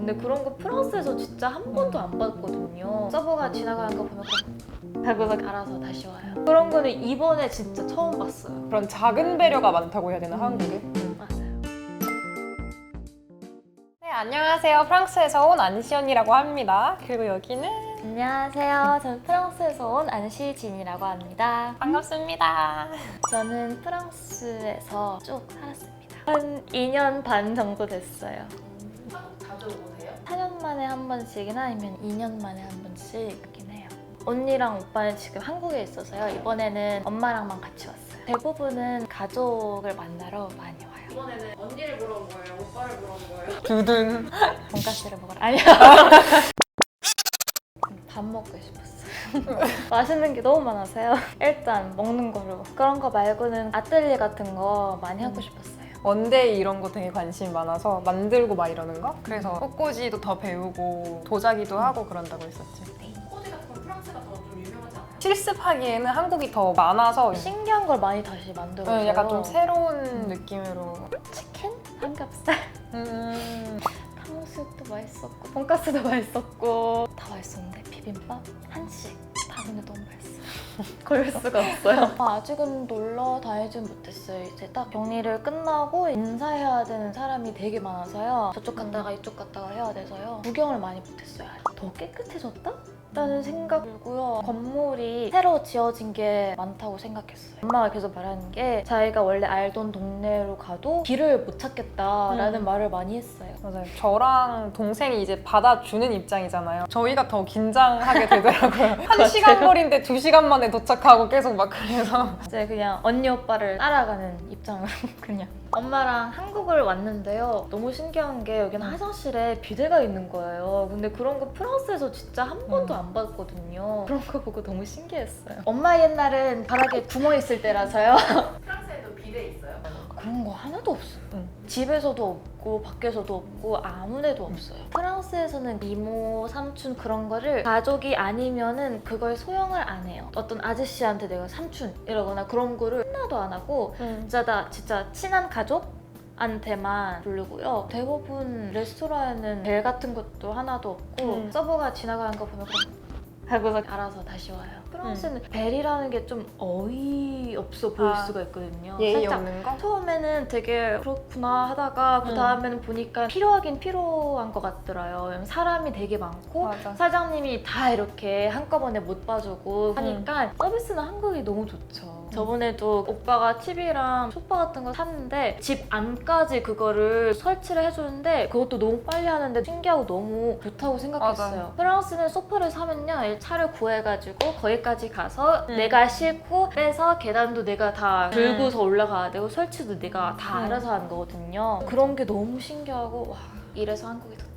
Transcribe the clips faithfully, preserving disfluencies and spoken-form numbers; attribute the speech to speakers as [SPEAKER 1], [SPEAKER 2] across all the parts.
[SPEAKER 1] 근데 그런 거 프랑스에서 진짜 한 번도 안 봤거든요. 서버가 지나가는 거 보면 하고서 알아서 다시 와요. 그런 거는 이번에 진짜 처음 봤어요.
[SPEAKER 2] 그런 작은 배려가 많다고 해야 되나, 한국에?
[SPEAKER 1] 음, 맞아요.
[SPEAKER 2] 네, 안녕하세요. 프랑스에서 온 안시언이라고 합니다. 그리고 여기는
[SPEAKER 1] 안녕하세요. 저는 프랑스에서 온 안시진이라고 합니다.
[SPEAKER 2] 반갑습니다.
[SPEAKER 1] 저는 프랑스에서 쭉 살았습니다. 한 이 년 반 정도 됐어요.
[SPEAKER 2] 자주 오세요?
[SPEAKER 1] 사 년 만에 한 번씩이나 아니면 이 년 만에 한 번씩이긴 해요. 언니랑 오빠는 지금 한국에 있어서요. 이번에는 엄마랑만 같이 왔어요. 대부분은 가족을 만나러 많이 와요.
[SPEAKER 3] 이번에는 언니를 보러 온 거예요? 오빠를 보러 온 거예요?
[SPEAKER 2] 두둥.
[SPEAKER 1] 돈가스를 먹으러 아니요. 밥 먹고 싶었어요. 맛있는 게 너무 많아서요. 일단 먹는 거로. 그런 거 말고는 아뜰리에 같은 거 많이 하고 싶었어요.
[SPEAKER 2] 원데이 이런 거 되게 관심 많아서 만들고 막 이러는 거? 그래서 꽃꽂이도 더 배우고 도자기도 하고 그런다고 했었지.
[SPEAKER 3] 코디 같은 건 프랑스가 더 좀 유명하지 않아요?
[SPEAKER 2] 실습하기에는 한국이 더 많아서
[SPEAKER 1] 신기한 걸 많이 다시 만들어서
[SPEAKER 2] 네, 약간 좀 새로운 느낌으로.
[SPEAKER 1] 치킨? 삼겹살?
[SPEAKER 2] 음.
[SPEAKER 1] 탕수육도 맛있었고 돈가스도 맛있었고 다 맛있었는데 비빔밥? 한식 다 근데 너무 맛있어요. 고를 수가 없어요. 아, 아직은 놀러 다니진 못했어요. 이제 딱 격리를 끝나고 인사해야 되는 사람이 되게 많아서요. 저쪽 갔다가 이쪽 갔다가 해야 돼서요. 구경을 많이 못했어요. 더 깨끗해졌다? 라는 생각 들고요. 건물이 새로 지어진 게 많다고 생각했어요. 엄마가 계속 말하는 게 자기가 원래 알던 동네로 가도 길을 못 찾겠다라는
[SPEAKER 2] 음.
[SPEAKER 1] 말을 많이 했어요.
[SPEAKER 2] 맞아요. 저랑 동생이 이제 받아주는 입장이잖아요. 저희가 더 긴장하게 되더라고요. 한 시간 거리인데 두 시간 만에 도착하고 계속 막 그래서.
[SPEAKER 1] 이제 그냥 언니 오빠를 따라가는 입장으로 그냥. 엄마랑 한국을 왔는데요. 너무 신기한 게 여기는 화장실에 비데가 있는 거예요. 근데 그런 거 프랑스에서 진짜 한 번도
[SPEAKER 2] 음.
[SPEAKER 1] 안 봤거든요. 그런 거 보고 너무 신기했어요. 엄마 옛날엔 바닥에 구멍 있을 때라서요.
[SPEAKER 3] 프랑스에도 비데 있어요?
[SPEAKER 1] 그런 거 하나도 없어요.
[SPEAKER 2] 응.
[SPEAKER 1] 집에서도 없고 밖에서도 없고 아무 데도 없어요. 프랑스에서는 이모, 삼촌 그런 거를 가족이 아니면은 그걸 소용을 안 해요. 어떤 아저씨한테 내가 삼촌 이러거나 그런 거를 하나도 안 하고 진짜 다 진짜 친한 가족한테만 부르고요. 대부분 레스토랑에는 벨 같은 것도 하나도 없고
[SPEAKER 2] 음.
[SPEAKER 1] 서버가 지나가는 거 보면 하고서 알아서 다시 와요. 프랑스는 벨이라는 게 좀 어이없어 보일
[SPEAKER 2] 아,
[SPEAKER 1] 수가 있거든요.
[SPEAKER 2] 예의
[SPEAKER 1] 살짝
[SPEAKER 2] 없는 거?
[SPEAKER 1] 처음에는 되게 그렇구나 하다가 그 다음에는 보니까 필요하긴 필요한 것 같더라고요. 왜냐면 사람이 되게 많고
[SPEAKER 2] 맞아.
[SPEAKER 1] 사장님이 다 이렇게 한꺼번에 못 봐주고 하니까 서비스는 한국이 너무 좋죠. 저번에도 오빠가 티비랑 소파 같은 거 샀는데 집 안까지 그거를 설치를 해주는데 그것도 너무 빨리 하는데 신기하고 너무 좋다고 생각했어요.
[SPEAKER 2] 맞아요.
[SPEAKER 1] 프랑스는 소파를 사면요 차를 구해가지고 거기까지 가서
[SPEAKER 2] 음.
[SPEAKER 1] 내가 싣고 빼서 계단도 내가 다 들고서
[SPEAKER 2] 음.
[SPEAKER 1] 올라가야 되고 설치도 내가 다
[SPEAKER 2] 음.
[SPEAKER 1] 알아서 하는 거거든요. 그런 게 너무 신기하고 와 이래서 한국이 좋다.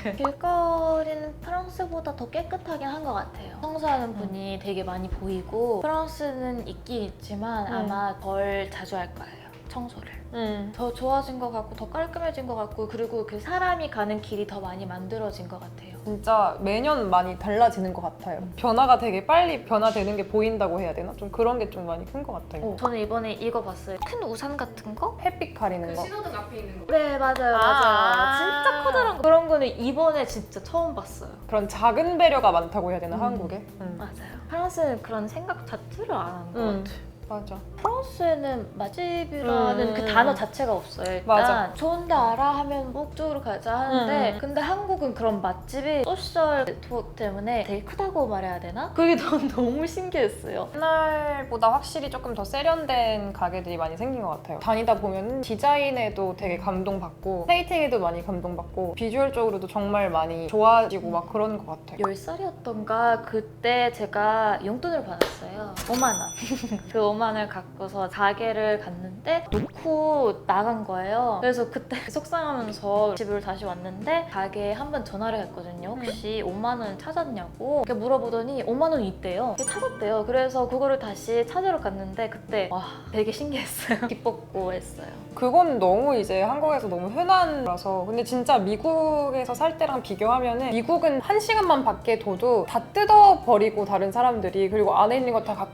[SPEAKER 1] 길거리는 프랑스보다 더 깨끗하긴 한 것 같아요. 청소하는 분이 되게 많이 보이고 프랑스는 있긴 있지만
[SPEAKER 2] 음.
[SPEAKER 1] 아마 덜 자주 할 거예요. 청소를.
[SPEAKER 2] 음.
[SPEAKER 1] 더 좋아진 것 같고 더 깔끔해진 것 같고 그리고 그 사람이 가는 길이 더 많이 만들어진 것 같아요.
[SPEAKER 2] 진짜 매년 많이 달라지는 것 같아요. 변화가 되게 빨리 변화되는 게 보인다고 해야 되나? 좀 그런 게 좀 많이 큰 것 같아요.
[SPEAKER 1] 어, 저는 이번에 이거 봤어요. 큰 우산 같은 거?
[SPEAKER 2] 햇빛 가리는
[SPEAKER 3] 그
[SPEAKER 2] 거.
[SPEAKER 3] 신호등 앞에 있는 거.
[SPEAKER 1] 네 맞아요 맞아요.
[SPEAKER 2] 아.
[SPEAKER 1] 진짜 커다란 거. 그런 거는 이번에 진짜 처음 봤어요.
[SPEAKER 2] 그런 작은 배려가 많다고 해야 되나,
[SPEAKER 1] 음.
[SPEAKER 2] 한국에? 음.
[SPEAKER 1] 맞아요. 프랑스는 그런 생각 자체를 안 하는 것
[SPEAKER 2] 음.
[SPEAKER 1] 같아요.
[SPEAKER 2] 맞아.
[SPEAKER 1] 프랑스에는 맛집이라는
[SPEAKER 2] 음.
[SPEAKER 1] 그 단어 자체가 없어요. 일단
[SPEAKER 2] 맞아.
[SPEAKER 1] 좋은데 알아 하면 뭐 그쪽으로 가자 하는데
[SPEAKER 2] 음.
[SPEAKER 1] 근데 한국은 그런 맛집이 소셜 네트워크 때문에 되게 크다고 말해야 되나? 그게 너무, 너무 신기했어요.
[SPEAKER 2] 옛날보다 확실히 조금 더 세련된 가게들이 많이 생긴 것 같아요. 다니다 보면 디자인에도 되게 감동받고 플레이팅에도 많이 감동받고 비주얼적으로도 정말 많이 좋아지고 막 그런 것 같아요.
[SPEAKER 1] 열 살이었던가 그때 제가 용돈을 받았어요. 오만 원. 그 오만 원을 갖고서 가게를 갔는데 놓고 나간 거예요. 그래서 그때 속상하면서 집을 다시 왔는데 가게에 한번 전화를 했거든요. 혹시 오만 원 찾았냐고 이렇게 물어보더니 오만 원 있대요. 찾았대요. 그래서 그거를 다시 찾으러 갔는데 그때 와 되게 신기했어요. 기뻤고 했어요.
[SPEAKER 2] 그건 너무 이제 한국에서 너무 흔한 거라서 근데 진짜 미국에서 살 때랑 비교하면은 미국은 한 시간만 밖에 둬도 다 뜯어버리고 다른 사람들이 그리고 안에 있는 거 다 갖고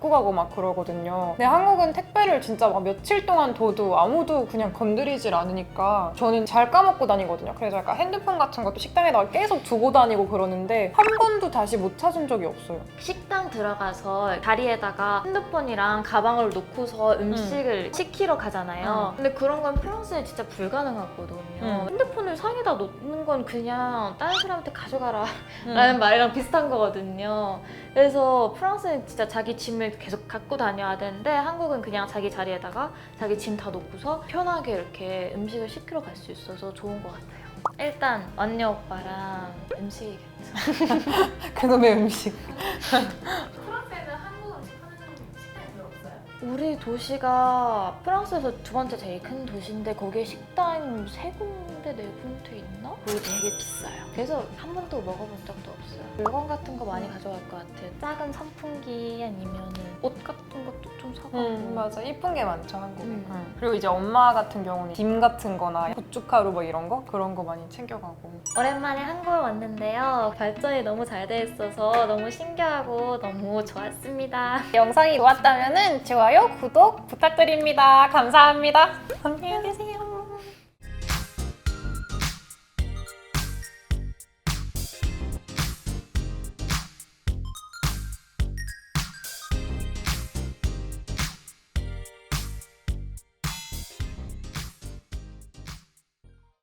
[SPEAKER 2] 갖고 가고 막 그러거든요. 근데 한국은 택배를 진짜 막 며칠 동안 둬도 아무도 그냥 건드리질 않으니까 저는 잘 까먹고 다니거든요. 그래서 약간 핸드폰 같은 것도 식당에다가 계속 두고 다니고 그러는데 한 번도 다시 못 찾은 적이 없어요.
[SPEAKER 1] 식당 들어가서 자리에다가 핸드폰이랑 가방을 놓고서 음식을 시키러 가잖아요. 근데 그런 건 프랑스에 진짜 불가능하거든요.
[SPEAKER 2] 음.
[SPEAKER 1] 핸드폰을 상에다 놓는 건 그냥 다른 사람한테 가져가라
[SPEAKER 2] 음.
[SPEAKER 1] 라는 말이랑 비슷한 거거든요. 그래서 프랑스는 진짜 자기 짐을 계속 갖고 다녀야 되는데 한국은 그냥 자기 자리에다가 자기 짐 다 놓고서 편하게 이렇게 음식을 시키러 갈 수 있어서 좋은 것 같아요. 일단 언니 오빠랑 음식이겠죠.
[SPEAKER 2] 그놈의 음식.
[SPEAKER 3] 프랑스에는 한국 음식 하는 사람 식당이 별로 없어요?
[SPEAKER 1] 우리 도시가 프랑스에서 두 번째 제일 큰 도시인데 거기에 식당 세 군데, 네 군데 있나? 그리고 되게 비싸요. 그래서 한 번도 먹어본 적도 없어요. 물건 같은 거 많이 가져갈 것 같아요. 작은 선풍기 아니면 옷 같은 것도 좀 사가고.
[SPEAKER 2] 음, 맞아. 이쁜 게 많죠, 한국에.
[SPEAKER 1] 음.
[SPEAKER 2] 음. 그리고 이제 엄마 같은 경우는 김 같은 거나 고춧가루 뭐 이런 거? 그런 거 많이 챙겨가고.
[SPEAKER 1] 오랜만에 한국에 왔는데요. 발전이 너무 잘 돼 있어서 너무 신기하고 너무 좋았습니다.
[SPEAKER 2] 영상이 좋았다면 좋아요, 구독 부탁드립니다. 감사합니다. 안녕히 계세요.